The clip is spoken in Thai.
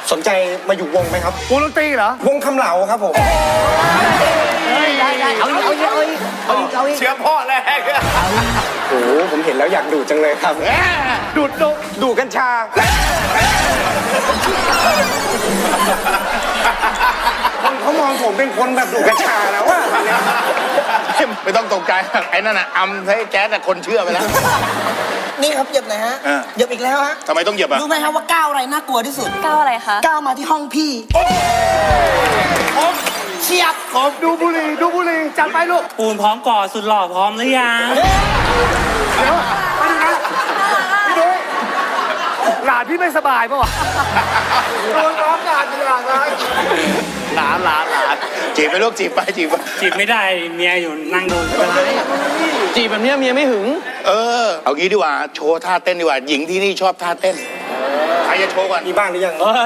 สนใจมาอยู่วงไหมครับวงดนตรีเหรอวงคำเหลาครับผมได้เอาอีกเชื้อพ่อแรกโอ้โหผมเห็นแล้วอยากดูดจังเลยครับ ดูดกัญชา คนเขามองผมเป็นคนแบบดูดกัญชาแล้วอะไม่ต้องตกใจไอ้นั่นน่ะอำให้แจ๊ดแต่คนเชื่อไปแล้วนี่ครับเหยียบหน่อยฮะเหยียบอีกแล้วฮะทำไมต้องเหยียบอ่ะรู้ไหมครับว่าก้าวอะไรน่ากลัวที่สุดก้าวอะไรคะก้าวมาที่ห้องพี่เฉียบผมดูบุหรี่จัดไปลูกปูนพร้อมก่อสุดหล่อพร้อมหรือยังเดี๋ยวไปดูนะพี่นุ้ยหลานพี่ไม่สบายปะวะโดนร้องหลานเป็นหลานอะไรหลานจีบไปลูกจีบไปจีบไปจีบไม่ได้เมียอยู่นั่งดูไม่เป็นไรจีบแบบนี้เมียไม่หึงเอางี้ดีกว่าโชว์ท่าเต้นดีกว่าหญิงที่นี่ชอบท่าเต้นใครจะโชว์ก่อนมีบ้างหรือยัง